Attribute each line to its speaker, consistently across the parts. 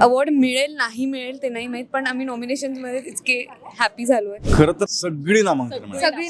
Speaker 1: Award मिळेल नाही मिळेल ते नाही माहित, पण आम्ही नॉमिनेशन मध्ये इतके हॅपी झालोय.
Speaker 2: खरं तर सगळी नामांकन मिळाली.
Speaker 1: सगळी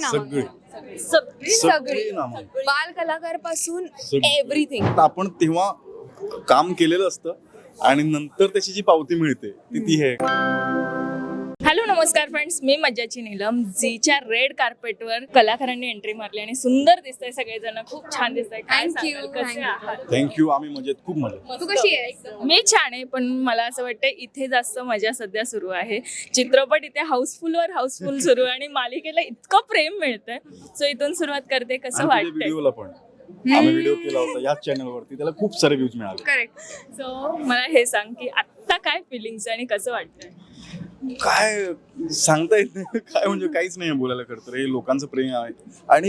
Speaker 2: सगळी नामांकन.
Speaker 1: बाल कलाकार पासून
Speaker 2: सगळी.
Speaker 1: एव्हरीथिंग.
Speaker 2: आपण तेव्हा काम केलेलं असतं आणि नंतर त्याची जी पावती मिळते ती हे.
Speaker 3: हॅलो नमस्कार फ्रेंड्स, मी मज्जाची नीलम. झीच्या रेड कार्पेटवर कलाकारांनी एंट्री मारली आणि सुंदर दिसतंय सगळेजण, खूप छान दिसतंय. काय
Speaker 1: Thank you,
Speaker 3: सांगाल, कसे
Speaker 1: thank you.
Speaker 3: आहात?
Speaker 2: थँक्यू. आम्ही मजेत, खूप मजेत.
Speaker 1: तू कशी आहेस?
Speaker 3: मी छान आहे, पण मला असं वाटतं इथे जास्त मजा सध्या सुरू आहे. चित्रपट इथे हाऊसफुल सुरू आहे आणि मालिकेला इतकं प्रेम मिळतंय. सो इथून सुरुवात करते. कसं वाटतंय?
Speaker 2: व्हिडिओला पण आम्ही व्हिडिओ केला होता याच चॅनलवरती, त्याला खूप सारे व्ह्यूज मिळाले.
Speaker 1: करेक्ट.
Speaker 3: सो मला हे सांग की आत्ता काय फिलिंग्स आणि कसं वाटतंय?
Speaker 2: काय सांगता येत नाही, काय म्हणजे काहीच नाही बोलायला. करतं हे लोकांचं प्रेम आहे आणि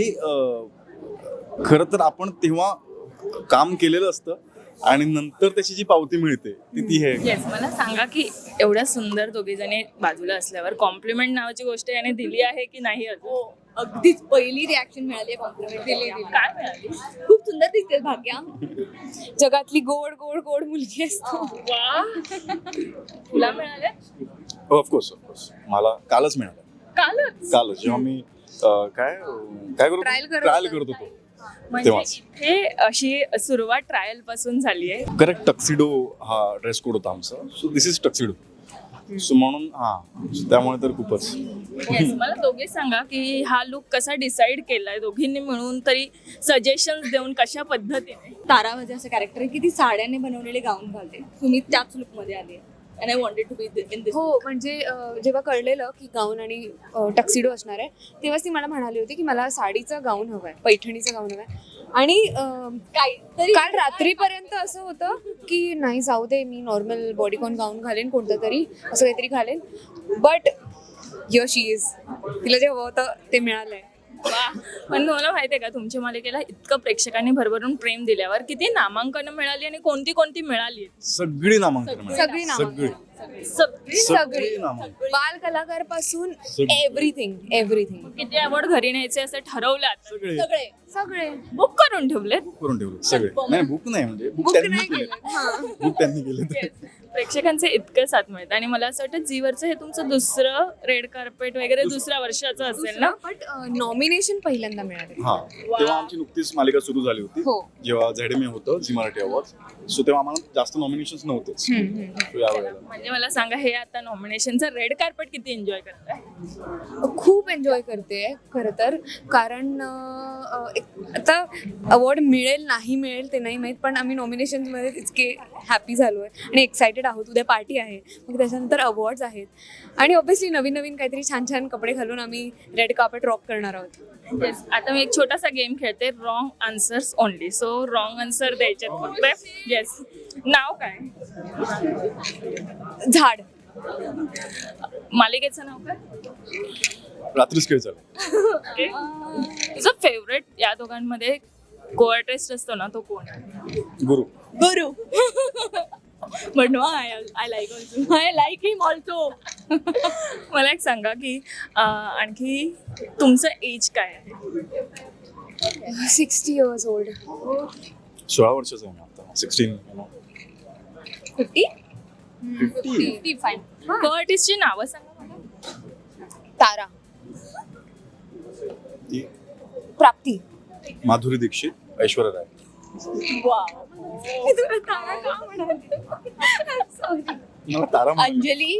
Speaker 2: खरं तर आपण तेव्हा काम केलेलं असतं आणि नंतर त्याची जी पावती मिळते ती हे.
Speaker 3: येस, मला सांगा की एवढ्या सुंदर दोघे जणी बाजूला असल्यावर कॉम्प्लिमेंट नावाची गोष्ट याने दिली आहे की नाही अजून?
Speaker 4: अगदीच पहिली रिॲक्शन मिळाली कॉम्प्लिमेंट दिली.
Speaker 3: काय मिळाली?
Speaker 4: खूप सुंदर दिसते भाग्या.
Speaker 1: जगातली गोड गोड गोड मुलगी असतो.
Speaker 3: वा, तुला मिळाले?
Speaker 2: ऑफकोर्स मला कालच मिळालं. कालच जेव्हा मी काय
Speaker 1: Trial करत
Speaker 2: ट्रायल
Speaker 1: होता.
Speaker 2: करत होतो
Speaker 3: म्हणजे
Speaker 2: तेव्हाच.
Speaker 3: इथे अशी सुरुवात ट्रायल पासून झाली आहे.
Speaker 2: करेक्ट. टक्सिडो हा ड्रेस कोड होता आमचा. So this is tuxedo. So म्हणून त्यामुळे तर खूपच.
Speaker 3: येस, मला दोघे सांगा की हा लुक कसा डिसाईड केलाय दोघींनी मिळून, तरी सजेशन्स देऊन कशा पद्धतीने?
Speaker 4: तारा माझे असं कॅरेक्टर आहे की ती साड्याने बनवलेले गाऊन घालते. तुम्ही त्याच लुकमध्ये आली and I wanted to be in this.
Speaker 1: हो, म्हणजे जेव्हा कळलेलं की गाऊन आणि टक्सिडो असणार आहे, तेव्हाच ती मला म्हणाली होती की मला साडीचा गाऊन हवाय, पैठणीचा गाऊन हवाय. आणि काल रात्रीपर्यंत असं होतं की नाही जाऊ दे, मी नॉर्मल बॉडीकॉन गाऊन घालेन, कोणतं तरी असं काहीतरी घालेन. But here she is. तिला जे हवं होतं ते मिळालंय.
Speaker 3: वा, पण तुम्हाला माहितीये का तुमच्या मालिकेला इतकं प्रेक्षकांनी भरभरून प्रेम दिल्यावर किती नामांकन मिळाली आणि कोणती कोणती मिळाली?
Speaker 2: सगळी नामांकन मिळाली.
Speaker 1: सगळी नामांकन.
Speaker 2: सगळी नामांकन.
Speaker 1: बाल कलाकार पासून
Speaker 2: सगळी.
Speaker 1: एव्हरीथिंग.
Speaker 3: किती अवॉर्ड घरी न्यायचे असं ठरवलं आता?
Speaker 2: सगळे
Speaker 1: सगळे
Speaker 3: बुक करून ठेवलेत?
Speaker 2: करून ठेवले सगळे. नाही बुक नाही, म्हणजे बुक
Speaker 1: बुक
Speaker 2: त्यांनी
Speaker 1: नाही
Speaker 2: केले.
Speaker 1: केलं.
Speaker 2: बुक त्यांनी केले.
Speaker 3: प्रेक्षकांचे इतकं साथ मिळतं आणि मला असं वाटतं झीवरचं हे तुमचं दुसरं रेड कार्पेट वगैरे दुसऱ्या वर्षाचं असेल ना?
Speaker 1: बट नॉमिनेशन पहिल्यांदा मिळाले.
Speaker 2: हा, तेव्हा आमची नुकतीच मालिका सुरू झाली होती.
Speaker 1: हो.
Speaker 2: जेव्हा झेडमे होतं झी मराठी अवॉर्ड. सो तेव्हा आम्हाला जास्त नॉमिनेशन्स नव्हतेच. So यावेळेला
Speaker 3: म्हणजे मला सांगा, हे आता नॉमिनेशनचं रेड कार्पेट किती एन्जॉय करताय?
Speaker 1: खूप एन्जॉय करते खरं तर, कारण आता अवॉर्ड मिळेल नाही मिळेल ते नाही माहीत, पण आम्ही नॉमिनेशन मध्ये इतके हॅपी झालोय आणि एक्सायटेड आहोत. उद्या पार्टी आहे, मग त्याच्यानंतर अवॉर्ड्स आहेत आणि ऑब्व्हियसली नवीन नवीन काहीतरी छान छान कपडे घालून आम्ही रेड कार्पेट रॉक करणार आहोत.
Speaker 3: Yes. आता मी एक छोटासा गेम खेळते, wrong answers only. So wrong answer द्यायचे फक्त. येस, नाव काय?
Speaker 1: झाड.
Speaker 3: मालिकेचं नाव काय?
Speaker 2: रात्रीच खेळ चालू.
Speaker 3: Okay. तुझं फेवरेट या दोघांमध्ये को आर्टिस्ट असतो ना, तो कोण आहे?
Speaker 2: गुरु.
Speaker 4: गुरु. But no, I like also. I like him also.
Speaker 3: मला एक सांगा की आणखी तुमचं एज काय आहे?
Speaker 1: 60 years old.
Speaker 2: 16 वर्षाचा आहे मी आता. 16.
Speaker 4: 50?
Speaker 2: 50.
Speaker 4: 55.
Speaker 3: को आर्टिस्टची नावं सांगा मला.
Speaker 1: तारा.
Speaker 2: ती
Speaker 1: प्राप्ती.
Speaker 2: माधुरी दीक्षित, ऐश्वर्या राय.
Speaker 4: Wow.
Speaker 2: मला तारा म्हणाली.
Speaker 4: अंजली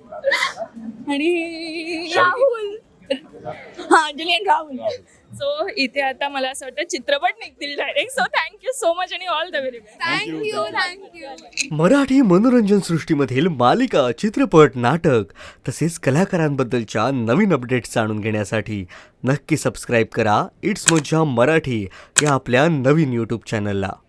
Speaker 4: आणि राहुल. हा, अंजली आणि राहुल.
Speaker 3: सो इथे आता मला असं वाटतं चित्रपट निघतील direct. So thank you so much आणि all the very best.
Speaker 1: Thank you.
Speaker 5: Marathi मनोरंजन सृष्टीमधील मालिका, चित्रपट, नाटक तसेच कलाकारांबद्दलच्या नवीन अपडेट्स जाणून घेण्यासाठी नक्की सबस्क्राईब करा इट्स मज्जा मराठी या आपल्या नवीन यूट्यूब चॅनलला.